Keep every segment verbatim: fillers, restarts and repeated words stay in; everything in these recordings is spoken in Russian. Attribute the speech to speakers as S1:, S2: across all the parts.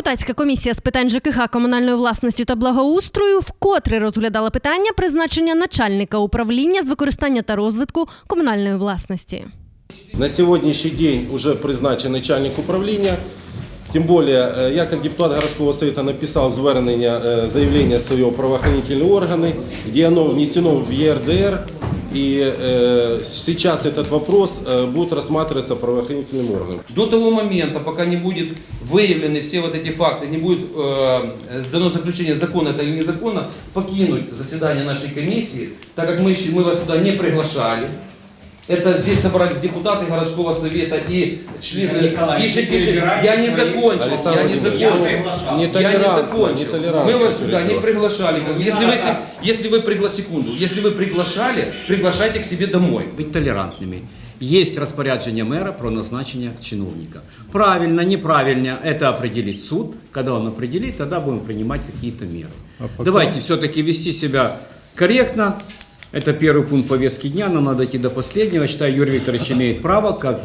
S1: Депутатська комісія з питань ЖКХ, комунальної власності та благоустрою вкотре розглядала питання призначення начальника управління з використання та розвитку комунальної власності.
S2: На сьогоднішній день вже призначений начальник управління. Тем более, я как депутат городского совета написал звернення, заявление своего в правоохранительные органы, где оно внесено в Е Р Д Р. И э, сейчас этот вопрос э, будет рассматриваться правоохранительным органом.
S3: До того момента, пока не будет выявлены все вот эти факты, не будет э, дано заключение, законно это или незаконно, покинуть заседание нашей комиссии, так как мы, мы вас сюда не приглашали. Это здесь собрались депутаты городского совета и члены. Пишет, пишет, я не закончил, я не закончил,
S2: не
S3: я не закончил. Мы вас сюда не приглашали. Если вы, если вы пригла... секунду, если вы приглашали, приглашайте к себе домой.
S4: Быть толерантными. Есть распоряджение мэра про назначение чиновника. Правильно, неправильно, это определит суд. Когда он определит, тогда будем принимать какие-то меры. А пока... Давайте все-таки вести себя корректно. Это первый пункт повестки дня, нам надо идти до последнего. Считаю, Юрий Викторович имеет право, как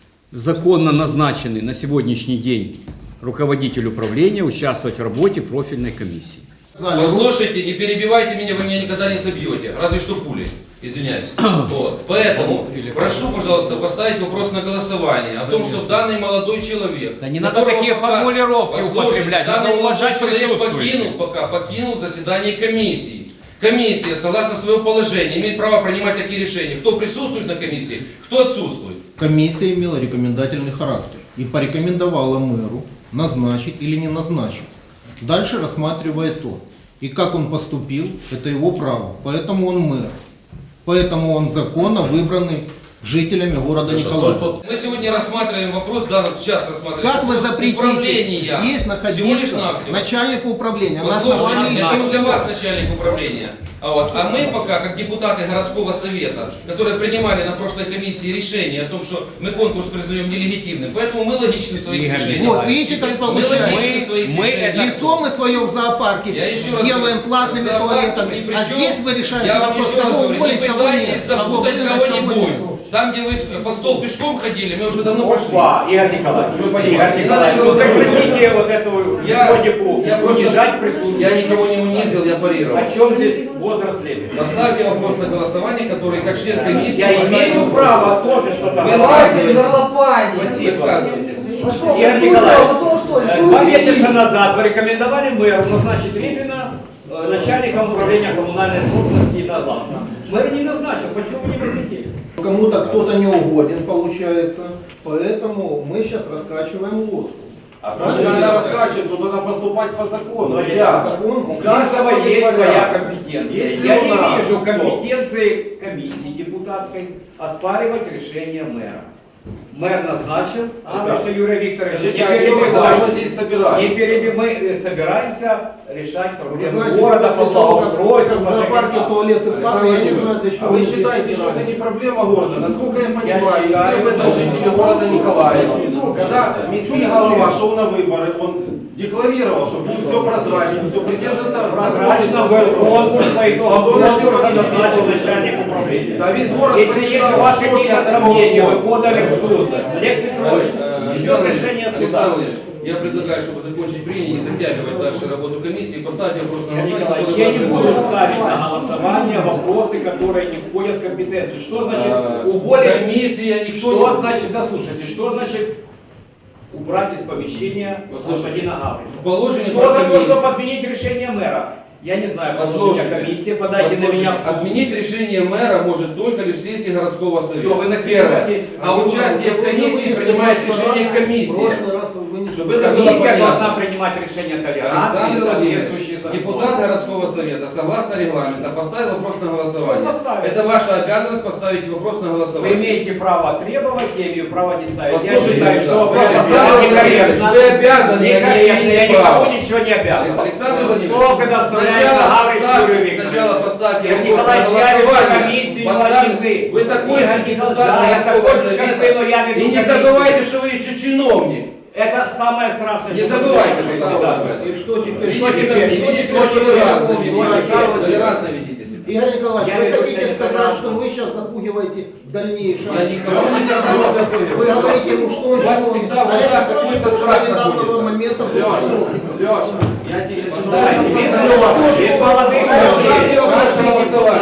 S4: законно назначенный на сегодняшний день руководитель управления, участвовать в работе профильной комиссии.
S3: Послушайте, не перебивайте меня, вы меня никогда не собьете, разве что пулей, извиняюсь. Вот. Поэтому прошу, пожалуйста, поставить вопрос на голосование о том, что данный молодой человек...
S4: Да не надо такие пока, формулировки употреблять, надо уважать
S3: человек покинул, пока, покинул заседание комиссии. Комиссия, согласно своего положения, имеет право принимать такие решения. Кто присутствует на комиссии, кто отсутствует.
S5: Комиссия имела рекомендательный характер и порекомендовала мэру назначить или не назначить. Дальше рассматривает то. И как он поступил, это его право. Поэтому он мэр. Поэтому он законно выбранный жителями города Николаева.
S3: Мы сегодня рассматриваем вопрос, да, сейчас рассматриваем.
S5: Как вы запретите здесь находиться начальнику управления?
S3: Послушайте, я для вас начальник управления. А, вот, а мы пока, как депутаты городского совета, которые принимали на прошлой комиссии решение о том, что мы конкурс признаем нелегитимным, поэтому мы логичны в своих решениях.
S5: Вот видите, как получается.
S3: Мы,
S5: мы лицо мы свое в зоопарке делаем платными туалетами, а здесь вы решаете вопрос, кого уволить, кого нет, кого выгнать, кого нет.
S3: Там, где вы под стол пешком ходили, мы уже давно пошли.
S4: Игорь Николаевич, вы понимаете, вы запретите вот эту методику унижать присутствие.
S3: Я никого не унизил, я парировал.
S4: О чем здесь возраст лебедя?
S3: Поставьте вопрос на голосование, который как член комиссии...
S4: Я имею право тоже что-то
S3: высказывать. Высказывайтесь.
S4: Игорь Николаевич, два месяца назад вы рекомендовали мэру назначить Репина начальником управления коммунальной собственности и властно. Мэр не назначил, почему вы не возмутились?
S5: Кому-то кто-то не угоден, получается, поэтому мы сейчас раскачиваем лодку.
S2: А правильно раскачивать, то надо поступать по закону.
S4: Но я, у каждого есть своя компетенция. Если я не вижу компетенции комиссии депутатской оспаривать решение мэра. Мэр назначил, а Юрий Викторович,
S2: Скажите, а что мы даже здесь собираемся?
S4: Не перебив... Мы собираемся решать проблемы
S5: знаете,
S4: города по благоустройству.
S5: В зоопарке туалеты платные, я не знаю, для чего.
S2: А вы считаете, что это не проблема города? Насколько я понимаю, и все об этом жители города Николаева. Когда міський голова шел на выборы, он декларировал, что будет все прозрачно, все придерживаться
S4: прозрачно был конкурс по итогам конкурса назначил начальник управления.
S2: Да весь город
S4: Если есть у вас какие-то сомнения, вы подали в суд. Олег Петрович, ждет решение суда.
S3: Я предлагаю, чтобы закончить прения, не затягивать дальше работу комиссии, поставить вопрос на голосование.
S4: Я не буду ставить на голосование вопросы, которые не входят в компетенцию. Что значит уволить?
S3: Комиссия никто
S4: Что
S3: не...
S4: значит, да слушайте, что значит убрать из помещения господина Гаврилова?
S3: Положение
S4: Кто за то, чтобы отменить решение мэра? Я не знаю, послушайте, комиссия, подайте на меня в суд.
S3: Отменить решение мэра может только лишь сессия городского совета.
S4: Все, вы на
S3: Первое. А участие в комиссии принимает решение комиссия. Чтобы это было
S4: Комиссия
S3: понятно.
S4: должна принимать решение толерантно и соответствующие законы.
S3: Депутат городского совета, согласно регламенту, поставил вопрос на голосование.
S4: Поставил.
S3: Это ваша обязанность поставить вопрос на
S4: Вы
S3: голосование.
S4: имеете право требовать, я имею право не ставить.
S3: Послушайте,
S4: я считаю, что
S3: вы,
S4: вопрос
S3: Александр
S4: некорректно.
S3: Вы обязаны,
S4: Некорректно, я никому
S3: права.
S4: ничего не обязан.
S3: Александр Владимирович,
S4: Сколько доставляется Гаврилович Юрий Викторович?
S3: сначала поставьте
S4: Игорь
S3: вопрос на
S4: Николаевич, я веду
S3: голосование.
S4: комиссию,
S3: Поставь-
S4: вы.
S3: Вы такой же
S4: Игорь
S3: депутат
S4: Николаевич, я
S3: городского
S4: такой же, как
S3: совета.
S4: вы, но я веду
S3: И не
S4: комиссию.
S3: забывайте, что вы еще чиновник.
S4: Это самое страшное,
S3: Не
S4: что
S3: забывайте,
S4: вы
S3: пожалуйста, об
S4: делаете.
S3: этом.
S5: И что теперь?
S3: Что
S5: Что
S3: теперь?
S5: теперь?
S3: Что теперь?
S5: Что
S3: Толерантно
S5: теперь?
S3: ведите, толерантно ведите себя.
S5: Игорь Николаевич,
S6: Я
S5: вы
S6: веду
S5: хотите
S6: себя
S5: сказать,
S6: неправильно.
S5: что вы сейчас запугиваете в дальнейшем?
S3: Я никого не запугиваю.
S5: Вы говорите ему, что он
S3: У вас
S5: чиновник.
S3: всегда вот
S5: Олег
S3: так
S5: Петрович
S3: какой-то
S5: до
S3: страх
S5: недавнего
S3: находится.
S5: момента был
S2: Леша,
S5: чиновником.
S2: Леша, я тебе
S6: Послушайте,
S2: читаю.
S6: без
S5: Что,
S6: молодых,
S5: что,
S6: без
S5: что,
S6: молодых
S5: что,
S6: людей.
S5: что,
S3: Наше
S5: что,
S3: голосование.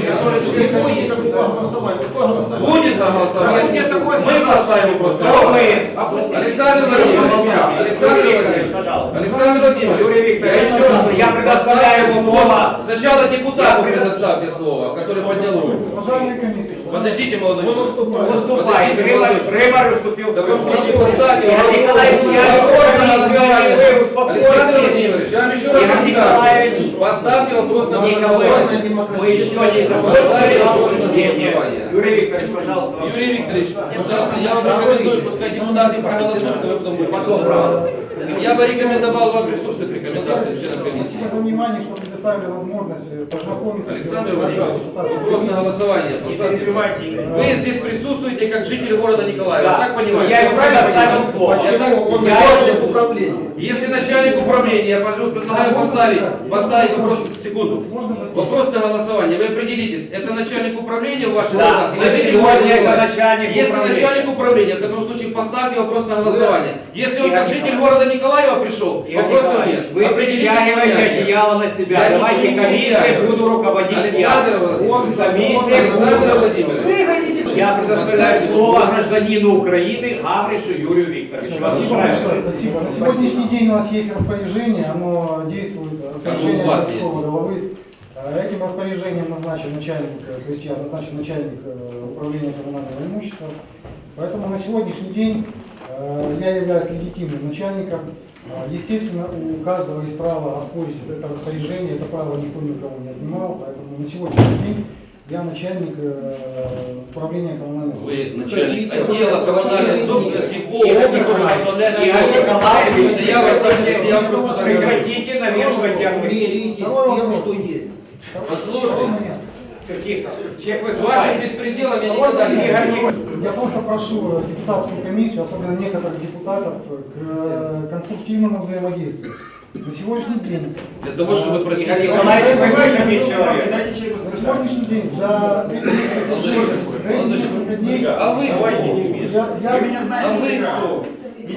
S5: Не будет никакого голосования. Какое голосование?
S3: Будет на голосование.
S2: Нет, такое
S3: Мы поставим просто.
S6: Кто вы?
S3: Александр Владимирович, Александр Владимирович,
S6: Пожалуйста.
S3: Александр Владимирович,
S6: Юрий Викторович,
S3: я еще раз
S6: я предоставляю
S3: поставлю
S6: слово.
S3: вопрос. Сначала депутату
S6: Я предо-
S3: предоставьте слово, который поднял руку. Подождите, молодой
S5: Он
S3: человек.
S5: уступает.
S6: Выступай. Рыбар уступил
S3: В таком
S6: свой
S3: случае
S6: голос.
S3: поставьте
S6: Игорь
S3: вопрос.
S6: Николаевич, я
S3: Вопрос на
S6: не
S3: голосование.
S6: вы успокойтесь.
S3: Александр Владимирович, я вам еще раз
S6: Игорь
S3: расскажу.
S6: Николаевич.
S3: Поставьте вопрос на
S6: Николай,
S3: голосование.
S6: мы еще не закончили обсуждение. Юрий Викторович, пожалуйста. вам
S3: Юрий Викторович, пожалуйста, я вам рекомендую, пускай депутаты проголосуют в этом
S6: Потом право.
S3: Я бы рекомендовал вам прислушаться к рекомендациям членов комиссии.
S7: Спасибо за внимание, что предоставили возможность познакомиться.
S3: Александр Владимирович, вопрос на голосование. Поставьте. Вы здесь присутствуете как житель города Николаева.
S6: Да.
S3: Так понимаете?
S6: Я ему
S3: правильно
S6: предоставил
S3: понимаю?
S6: слово.
S3: Я так-
S5: Почему? Он
S3: я-
S5: начальник управления.
S3: Если начальник управления, я предлагаю поставить, поставить вопрос, секунду. Вопрос на голосование. Вы определитесь, это начальник управления в ваших
S6: Да,
S3: глазах
S6: на
S3: или житель
S6: сегодня
S3: города
S6: это
S3: Николаева?
S6: начальник
S3: Если
S6: управления.
S3: начальник управления, в таком случае поставьте вопрос на голосование. Если он как житель города Николаева пришел,
S6: Игорь
S3: вопросов
S6: Николаевич,
S3: нет.
S6: вы
S3: Определитесь с
S6: притягиваете
S3: понятием.
S6: одеяло на себя.
S3: Я
S6: Давайте
S3: ничего не
S6: комиссией
S3: притягиваю.
S6: буду руководить
S3: Александр
S6: я.
S3: Владимирович,
S6: Комиссия
S3: Александр
S6: буду-
S3: Владимирович.
S6: Я предоставляю слово гражданину Украины Гавришу Юрию Викторовичу. Вас
S7: Спасибо
S6: устраивает?
S7: большое. Спасибо. На сегодняшний день у нас есть распоряжение, оно действует, распоряжение
S3: у вас
S7: городского головы. Э, Этим распоряжением назначен начальник, э, то есть я назначен начальник э, управления коммунального имущества. Поэтому на сегодняшний день э, я являюсь легитимным начальником. Э, Естественно, у каждого есть право оспорить это распоряжение, это право никто ни у кого не отнимал, поэтому на сегодняшний день я начальник э, управления коммунального
S3: Вы
S7: имущества.
S3: начальник отдела коммунальной собственности в ООО, который возглавляет
S6: Игорь Николаевич,
S3: Я в этом- я просто так говорю.
S6: Прекратите навешивать диагноз.
S5: Примиритесь с
S7: Второй
S5: тем,
S7: вопрос.
S5: что есть.
S3: Послушай,
S6: Каких? Чек
S3: с вашим
S6: выступает.
S3: беспределом я никогда не
S6: Игорь
S3: буду.
S6: Николаевич.
S7: Я просто прошу депутатскую комиссию, особенно некоторых депутатов, к э, конструктивному взаимодействию. На сегодняшний день,
S3: Для того, чтобы
S6: Игорь
S3: просить...
S6: Николаевич, вы выживете человек.
S7: на сегодняшний день, за эти несколько дней, за эти несколько дней,
S3: А вы кто?
S7: я, я,
S3: А вы кто?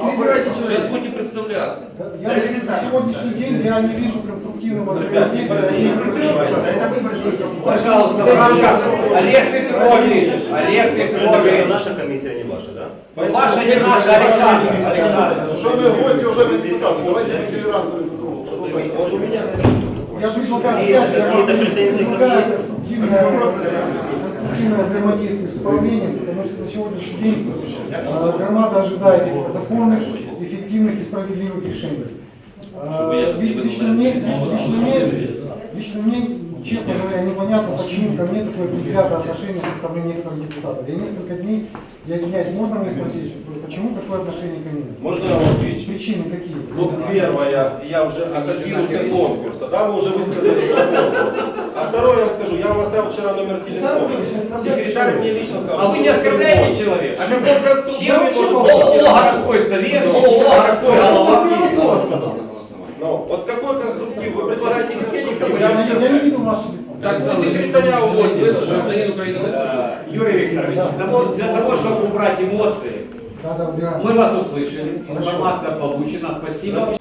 S3: Сейчас будете представляться.
S7: я на сегодняшний день я не вижу конструктивного взаимодействия.
S6: Пожалуйста, в рамках Олег Петрович, Олег Петрович.
S8: Наша комиссия, не ваша, да?
S6: Ваша не наша, Александр. Александр.
S2: Уважаемые гости, уважаемые депутаты, давайте будем толерантны друг к другу.
S3: Вот у меня...
S7: Я предлагаю, я предлагаю конструктивное, конструктивное взаимодействие с управлением, потому что на сегодняшний день э, громада ожидает законных, эффективных и справедливых решений. Э,
S3: Чтобы я не был
S7: Лично мне, лично мне, лично мне, честно говоря, непонятно, почему ко мне такое предвзятое отношение со стороны некоторых депутатов. Я несколько дней, я извиняюсь, можно мне спросить, почему такое отношение ко мне?
S8: Можно я вам отвечу?
S7: Причины какие?
S8: Ну, первое, я уже отодвинулся от конкурса, да, вы уже высказали свой конкурс. А второе, я вам скажу, я вам оставил вчера номер телефона. Секретарь мне лично сказал.
S6: А вы не оскорбляете человека?
S3: А какой конструктив
S6: Чем
S3: может
S6: ООО городской совет, ООО городской голова.
S8: Ну, вот какой конструктив? Вы предлагаете конструктив? Я
S7: Я,
S8: вам
S7: не- я не видел ваш телефон.
S3: Так, за секретаря уводите, вы гражданин Украины.
S6: Э, Юрий Викторович, для того- для того, чтобы убрать эмоции,
S7: Да, да, убираем.
S6: мы вас услышали, информация получена, спасибо.